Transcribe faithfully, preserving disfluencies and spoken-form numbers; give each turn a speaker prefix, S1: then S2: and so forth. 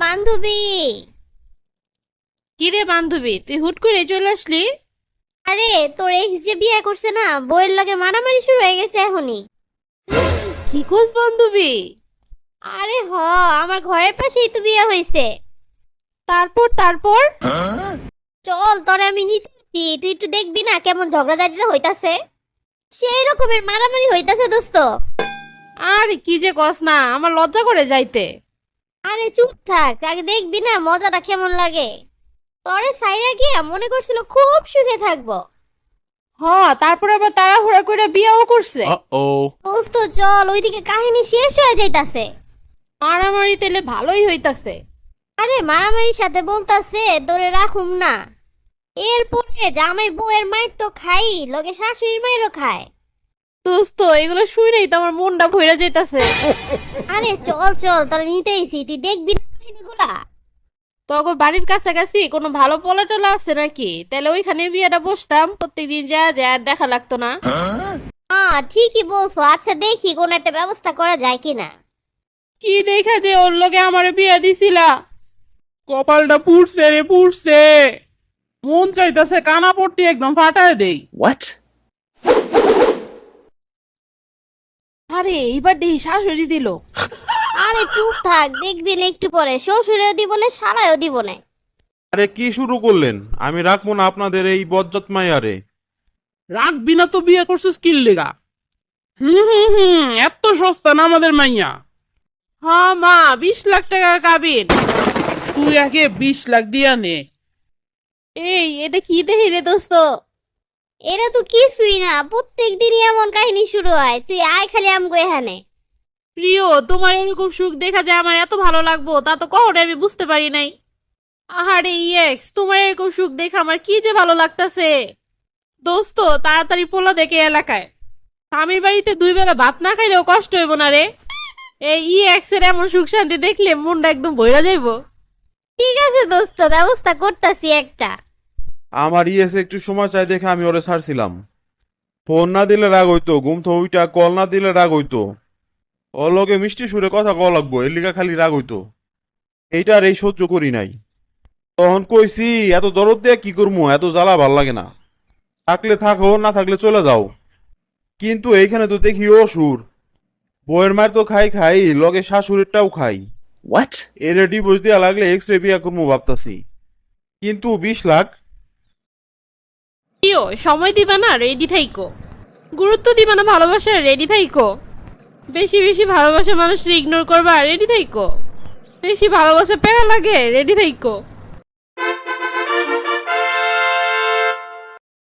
S1: বান্ধবী।
S2: কিরে বান্ধবী, তুই হুট করে চলে আসলি?
S1: আরে তোর এক্স যে বিয়ে করছে না, বউয়ের লগে মারামারি শুরু হয়ে গেছে এখনই।
S2: কি কোস বান্ধবী?
S1: আরে হ, আমার ঘরের পাশেই তো বিয়ে হয়েছে।
S2: তারপর তারপর
S1: চল তোরে আমি নিতেছি, তুই একটু দেখবি না কেমন ঝগড়াঝাটিটা হইতাছে। সেই রকমের মারামারি হইতাছে দোস্ত।
S2: আরে কি যে কস না, আমার লজ্জা করে যাইতে।
S1: আরে চুপ থাক, আগে দেখবি না মজাটা কেমন লাগে। তোরে সাইরা গিয়া মনে করছিল খুব সুখে থাকবো।
S2: হ, তারপর আবার তাড়াহুড়া করে বিয়েও করছে।
S3: Uh-oh.
S1: দোস্ত চল, ওইদিকে কাহিনী শেষ হয়ে যাইতাছে।
S2: মারামারি তেলে ভালোই হইতাছে।
S1: আরে মারামারির সাথে বলতাছে তোরে রাখুম না। এরপরে জামাই বউয়ের মায়ের তো খাই, লগে শাশুড়ির মায়েরও খায়।
S2: দোস্ত এগুলো শুনেই তো আমার মনটা ভইরা যাইতাছে।
S1: আরে চল চল, তোরা নিতেইছি, তুই দেখবি না কাহিনীগুলা।
S2: তখন বাড়ির কাছাকাছি কোনো ভালো পোলা টোলা আছে নাকি? তাহলে ওইখানে বিয়েটা বসতাম, প্রত্যেকদিন যা যা আর দেখা লাগতো না।
S1: হ্যাঁ ঠিকই বলছো, আচ্ছা দেখি কোন একটা ব্যবস্থা করা যায় কিনা।
S2: কি দেখা যে ওর লগে আমার বিয়ে দিছিলা?
S4: কপালটা পুড়ছে রে পুড়ছে। মন চাইতাছে কানা পট্টি একদম ফাটায় দেই।
S3: What?
S2: আরে এইবার দেই শাশুড়ি দিল।
S1: আরে চুপ থাক, দেখবি না একটু পরে শ্বশুরেও দিব না, শালায়ও দিব না।
S5: আরে কি শুরু করলেন? আমি রাখবো না আপনাদের এই বজ্জাত মাইয়ারে।
S4: রাখবি না তো বিয়ে করছিস কিল লেগা? হুম হুম হুম এত সস্তা না আমাদের মাইয়া।
S2: হ্যাঁ মা, বিশ লাখ টাকা কাবিন।
S4: তুই আগে বিশ লাখ দিয়া নে।
S2: এই এটা কি দেখি রে দোস্ত?
S1: এরা তো কিছুই না, প্রত্যেক দিনই এমন কাহিনী শুরু হয়। তুই আয় খালি আমগো এখানে।
S2: প্রিয়, তোমার এরকম সুখ দেখা যায় আমার এত ভালো লাগবো তা তো কখনো আমি বুঝতে পারি নাই। আহারে ইয়েক্স, তোমার এরকম সুখ দেখে আমার কি যে ভালো লাগতাছে। দোস্ত তাড়াতাড়ি পোলা দেখে এলাকায়। স্বামীর বাড়িতে দুই বেলা ভাত না খাইলেও কষ্ট হইব না রে। এই ইয়েক্স এর এমন সুখ শান্তি দেখলে মনটা একদম ভইরা যাইবো।
S1: ঠিক আছে দোস্ত, ব্যবস্থা করতাছি একটা।
S5: আমার ইয়েসে একটু সময় চাই দেখে আমি ওরে ছাড়ছিলাম। ফোন না দিলে রাগ হইতো, ঘুম তো ওইটা কল না দিলে রাগ হইতো। ওর লগে মিষ্টি সুরে কথা কওয়া লাগবো, এর লিগা খালি রাগ হইতো। এইটা আর এই সহ্য করি নাই। তখন কইছি এত দরদ দিয়ে কি করবো, এত জ্বালা ভাল লাগে না। থাকলে থাকো, না থাকলে চলে যাও। কিন্তু এইখানে তো দেখি ও সুর। বউয়ের মায়ের তো খাই খাই, লগে শাশুড়িরটাও খাই।
S3: What?
S5: এর ডিভোর্স দেওয়া লাগলে এক্স রে বিয়া করবো ভাবতাছি। কিন্তু বিশ লাখ।
S2: প্রিয়, সময় দিবা না, রেডি থাইকো। গুরুত্ব দিবা না, ভালোবাসা, রেডি থাইকো। বেশি বেশি ভালোবাসা মানুষ ইগনোর করবা, রেডি থাইকো। বেশি ভালোবাসা প্যারা লাগে, রেডি থাইকো।